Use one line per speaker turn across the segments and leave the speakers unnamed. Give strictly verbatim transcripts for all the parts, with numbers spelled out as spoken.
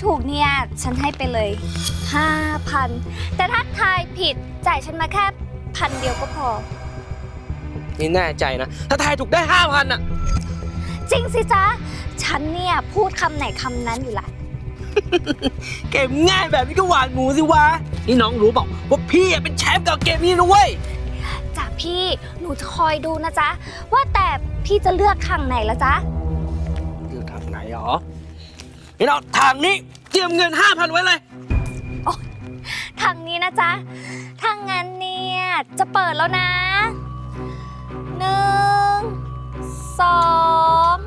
ถูกเนี่ยฉันให้ไปเลยห้าพันแต่ถ้าทายผิดจ่ายฉันมาแค่พันเดียวก็พอ
นี่แน่ใจนะถ้าทายถูกได้ห้าพันอ่ะ
จริงสิจ๊ะฉันเนี่ยพูดคำไหนคำนั้นอยู่ละ
เกมง่ายแบบนี้ก็หวานหมูสิวะนี่น้องรู้เปล่าว่าพี่เป็นแชมป์กับเกมนี้นะเว้ย
จ้ะพี่หนูจะคอยดูนะจ๊ะว่าแต่พี่จะเลือกทางไหนละจ๊ะ
เลือกทางไหนหรอนี่เราทางนี้เตรียมเงินห้าพันไว้เลย
โอ้ทางนี้นะจ๊ะทางงั้นเนี่ยจะเปิดแล้วนะหนึ่งสอง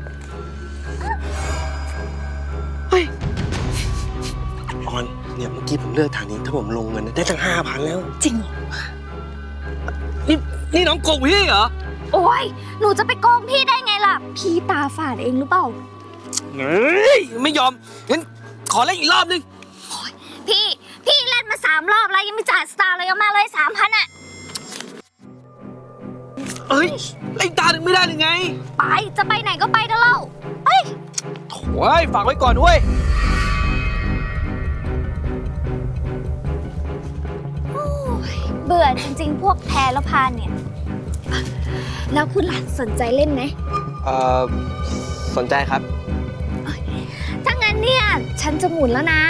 เฮ้ยออนเนี่ยเมื่อกี้ผมเลือกทางนี้ถ้าผมลงเงินได้ตั้งห้าพันแล้ว
จริงเหรอ
นี่นี่น้องโกงพี่เหรอ
โอ้ยหนูจะไปโกงพี่ได้ไงล่ะพี่ตาฝาดเองหรือเปล่า
เฮ้ยไม่ยอมงั้นขอเล่นอีกรอบนึง
พี่พี่เล่นมาสามรอบแล้วยังไม่จ่ายสตาร์เลยเอามาเลยสามพันอ่ะ
เอ้ยเล่นตาหนึ่งไม่ได้หรือไง
ไปจะไปไหนก็ไปเถอะเล่าเฮ้ย
โถ่ฝากไว้ก่อนด้วย
เบื่อจริงๆพวกแพ้แล้วพานเนี่ยแล้วคุณหลานสนใจเล่นไหม
เอ่อสนใจครับ
ถ้างั้นเนี่ยฉันจะหมุนแล้วนะ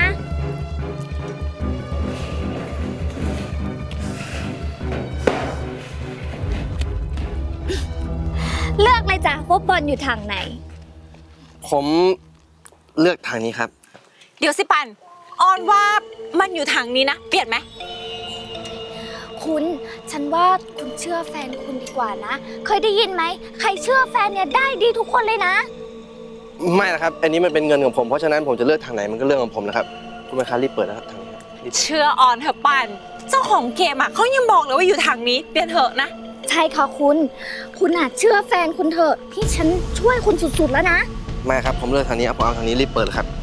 เลือกเลยจ้ะว่าบอลอยู่ทางไหน
ผมเลือกทางนี้ครับ
เดี๋ยวสิปันออนว่ามันอยู่ทางนี้นะเปลี่ยนไหม
คุณฉันว่าคุณเชื่อแฟนคุณดีกว่านะเคยได้ยินไหมใครเชื่อแฟนเนี่ยได้ดีทุกคนเลยนะ
ไม่นะครับอันนี้มันเป็นเงินของผมเพราะฉะนั้นผมจะเลือกทางไหนมันก็เรื่องของผมนะครับคุณแม่ค้ารีบเปิดนะครับทางนี้
เชื่อออนเถอะปันเจ้าของเกมอ่ะเขายังบอกเลยว่าอยู่ทางนี้เปลี่ยนเถอะนะ
ใช่ค่ะคุณคุณอาจเชื่อแฟนคุณเถอะพี่ฉันช่วยคุณสุดๆแล้วนะ
ไม่ครับผมเลือกทางนี้เอาผมเอาทางนี้รีบเปิดครับ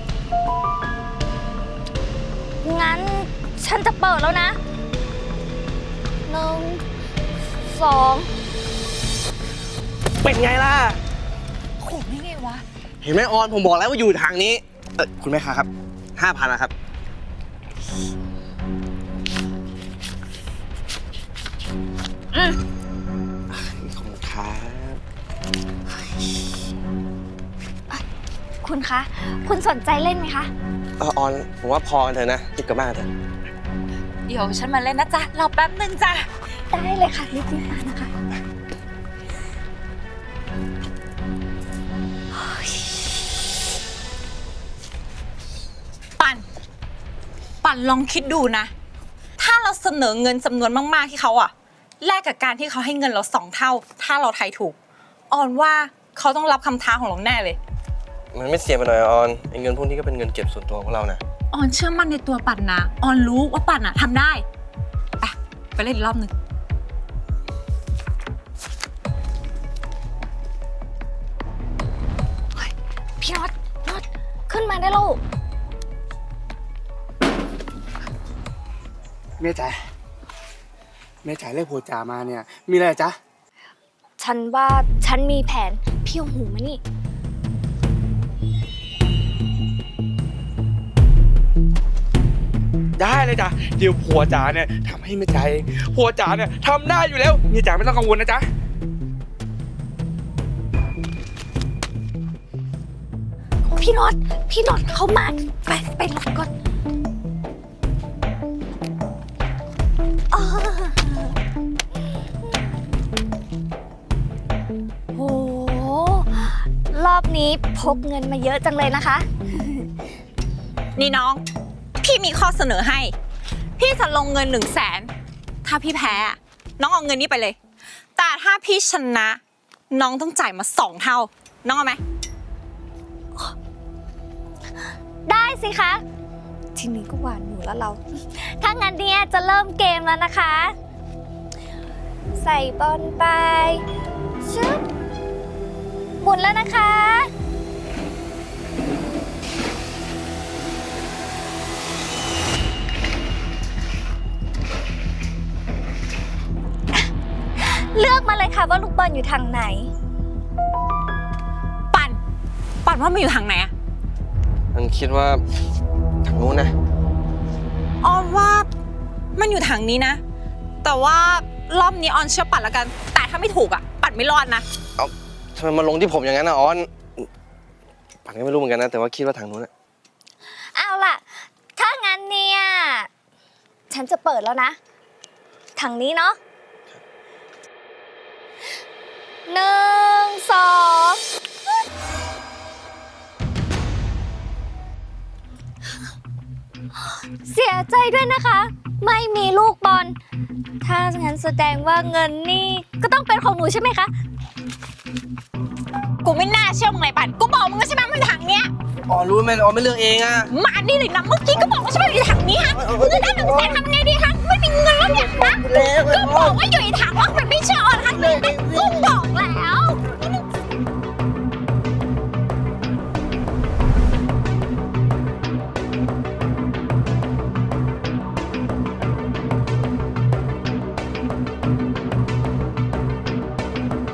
งั้นฉันจะเปิดแล้วนะหนึ่งสอง
เป็นไงล่ะ
โหไม่ไงวะ
เห็นไหมออนผมบอกแล้วว่าอยู่ทางนี้เออคุณแม่ค้าครับห้าพันนะครับ
อืม
ขอบคุณครับ
คุณคะคุณสนใจเล่นไหมคะ
เออออนผมว่าพอกันเถอะนะรีบกลับบ้านเถอะ
เดี๋ยวฉันมาเล่นนะจ๊ะรอแป๊บนึงจ้ะ
ได้เลยค่ะรีบๆมานะคะ
ปันปันลองคิดดูนะถ้าเราเสนอเงินจำนวนมากๆที่เขาอะแลกกับการที่เขาให้เงินเราสองเท่าถ้าเราทายถูกออนว่าเขาต้องรับคำท้าของเราแน่เลย
มันไม่เสียไปหน่อยออนเงินพวกนี้ก็เป็นเงินเก็บส่วนตัวของเรานะ
ออนเชื่อมั่นในตัวปันนะออนรู้ว่าปันอะทำได้ไปไปเล่นอีกรอบหนึ่ง
พี่น็อตน็อตขึ้นมาได้ลูก
แม่จ๋าแม่จ๋าเรียกโพจ่ามาเนี่ยมีอะไรจ๊ะ
ฉันว่าฉันมีแผนพี่เอาหูมานี่
ได้เลยจ้ะเดี๋ยวผัวจ๋าเนี่ยทำให้แม่จ๋าเองผัวจ๋าเนี่ยทำได้อยู่แล้วแม่จ๋าไม่ต้องกังวลนะจ๊ะ
พี่น็อตพี่น็อตเข้ามาไปไปหลบก่อนโอ้โหรอบนี้พกเงินมาเยอะจังเลยนะคะ
นี่น้องพี่มีข้อเสนอให้พี่จะลงเงินหนึ่งแสนถ้าพี่แพ้น้องเอาเงินนี้ไปเลยแต่ถ้าพี่ชนะน้องต้องจ่ายมาสองเท่าน้องเอาไหม
ได้สิคะทีนี้ก็หวานหมูแล้วเราถ้างั้นเนี่ยจะเริ่มเกมแล้วนะคะใส่บอลไปชึบหมุนแล้วนะคะเลือกมาเลยค่ะว่าลูกบอลอยู่ทางไหน
ปั่นปั่นว่ามันอยู่ทางไหนอะ
มันคิดว่าทางนู้นนะ
ออนว่ามันอยู่ทางนี้นะ แต่ว่ารอบนี้ออนเชื่อปัดแล้วกัน แต่ถ้าไม่ถูกอ่ะปัดไม่รอดนะ
เอาทำไมมาลงที่ผมอย่างนั้นนะออนปันก็ไม่รู้เหมือนกันนะ แต่ว่าคิดว่าทางนู้นนะ
เอาล่ะ ถ้างั้นเนี่ย ฉันจะเปิดแล้วนะ ทางนี้เนาะหนึ่งสองเสียใจด้วยนะคะ ไม่มีลูกบอล ถ้างั้นแสดงว่าเงินนี่ก็ต้องเป็นของหนูใช่ไหมคะ
กูไม่น่าเชื่อมึงเลยปัดกูบอกมึงแล้วใช่ไหมมันอยู่ทางเนี้ย
ออนรู้ไหมออนไม่เลือกเองอะ
มานี่เลยนะเมื่อกี้ก็บอกว่าใช่ไหมอยู่ทางนี้ฮะมึงจะได้หนึ่งแสนทำไงดีคะไม่มีเงินแล้วเนี่ยนะก็บอกว่าอยู่ในถังว่ามันไม่เชื่อออนค่ะนี่กูบ